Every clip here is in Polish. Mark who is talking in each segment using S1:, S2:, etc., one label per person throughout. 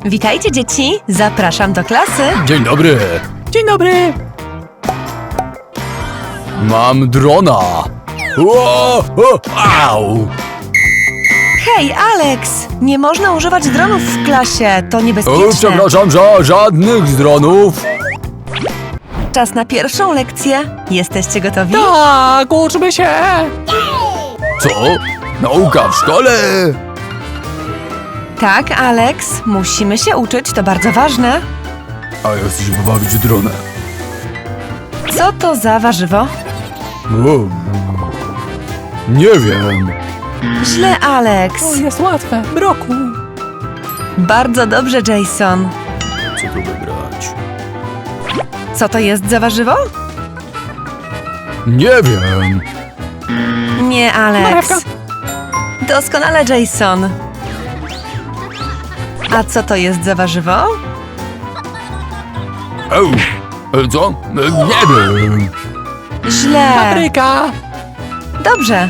S1: Witajcie, dzieci! Zapraszam do klasy.
S2: Dzień dobry.
S3: Dzień dobry!
S2: Mam drona. Au!
S1: Hej, Alex! Nie można używać dronów w klasie, to niebezpieczne.
S2: Przepraszam, żadnych dronów.
S1: Czas na pierwszą lekcję. Jesteście gotowi?
S3: Tak, uczmy się!
S2: Co? Nauka w szkole?
S1: Tak, Alex. Musimy się uczyć, to bardzo ważne.
S2: A ja chcę się pobawić dronem.
S1: Co to za warzywo?
S2: Nie wiem.
S1: Źle, Alex.
S3: To jest łatwe. Broku.
S1: Bardzo dobrze, Jason.
S2: Co tu wybrać?
S1: Co to jest za warzywo?
S2: Nie wiem.
S1: Nie, Alex.
S3: Marewka.
S1: Doskonale, Jason. A co to jest za warzywo?
S2: Co? Nie wiem.
S1: Źle.
S3: Papryka.
S1: Dobrze.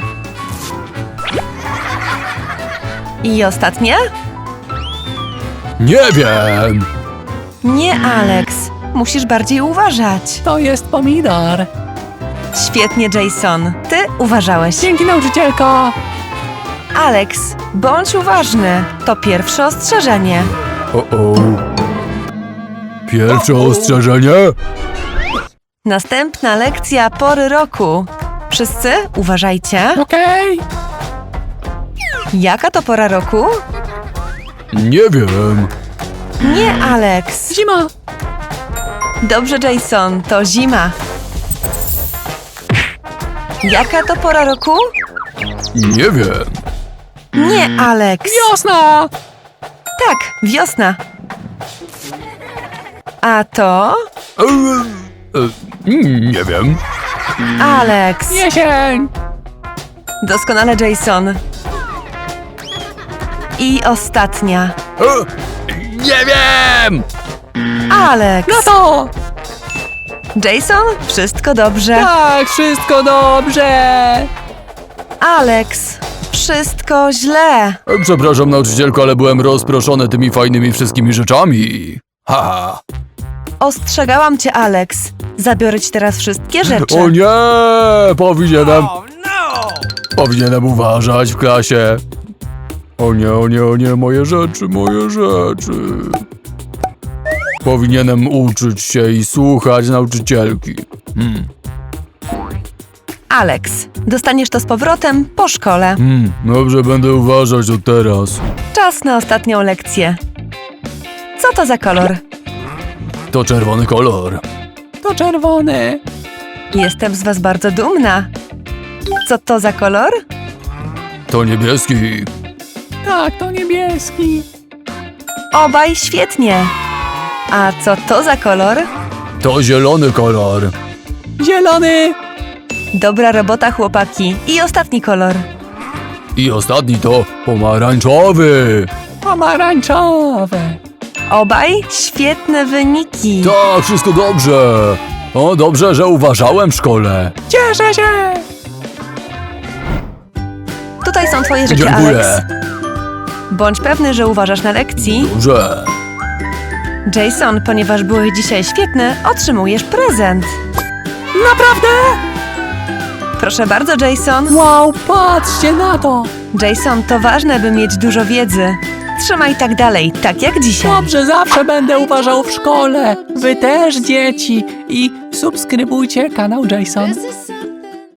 S1: I ostatnie?
S2: Nie wiem.
S1: Nie, Alex. Musisz bardziej uważać.
S3: To jest pomidor.
S1: Świetnie, Jason. Ty uważałeś.
S3: Dzięki, nauczycielko.
S1: Alex, bądź uważny. To pierwsze ostrzeżenie.
S2: Pierwsze ostrzeżenie?
S1: Następna lekcja pory roku. Wszyscy uważajcie.
S3: Okej.
S1: Jaka to pora roku?
S2: Nie wiem.
S1: Nie, Alex.
S3: Zima.
S1: Dobrze, Jason, to zima. Jaka to pora roku?
S2: Nie wiem.
S1: Nie, Alex.
S3: Wiosna.
S1: Tak, wiosna. A to?
S2: Nie wiem.
S1: Alex.
S3: Jesień.
S1: Doskonale, Jason. I ostatnia.
S2: Nie wiem!
S1: Alex.
S3: No to.
S1: Jason, wszystko dobrze.
S3: Tak, wszystko dobrze.
S1: Alex, wszystko źle.
S2: Przepraszam, nauczycielko, ale byłem rozproszony tymi fajnymi wszystkimi rzeczami. Haha.
S1: Ostrzegałam cię, Alex. Zabiorę ci teraz wszystkie rzeczy.
S2: O nie! Powinienem uważać w klasie. O nie, moje rzeczy. Powinienem uczyć się i słuchać nauczycielki.
S1: Alex, dostaniesz to z powrotem po szkole.
S2: Dobrze, będę uważać od teraz.
S1: Czas na ostatnią lekcję. Co to za kolor?
S2: To czerwony kolor.
S3: To czerwony.
S1: Jestem z was bardzo dumna. Co to za kolor?
S2: To niebieski.
S3: Tak, to niebieski.
S1: Obaj świetnie. A co to za kolor?
S2: To zielony kolor.
S3: Zielony.
S1: Dobra robota, chłopaki. I ostatni kolor.
S2: I ostatni to pomarańczowy.
S3: Pomarańczowy.
S1: Obaj świetne wyniki.
S2: Tak, wszystko dobrze. O, dobrze, że uważałem w szkole.
S3: Cieszę się.
S1: Tutaj są twoje rzeczy,
S2: Dziękuję.
S1: Alex. Bądź pewny, że uważasz na lekcji.
S2: Dobrze.
S1: Jason, ponieważ byłeś dzisiaj świetny, otrzymujesz prezent.
S3: Naprawdę?
S1: Proszę bardzo, Jason.
S3: Wow, patrzcie na to.
S1: Jason, to ważne, by mieć dużo wiedzy. Trzymaj tak dalej, tak jak dzisiaj.
S3: Dobrze, zawsze będę uważał w szkole. Wy też, dzieci. I subskrybujcie kanał Jason.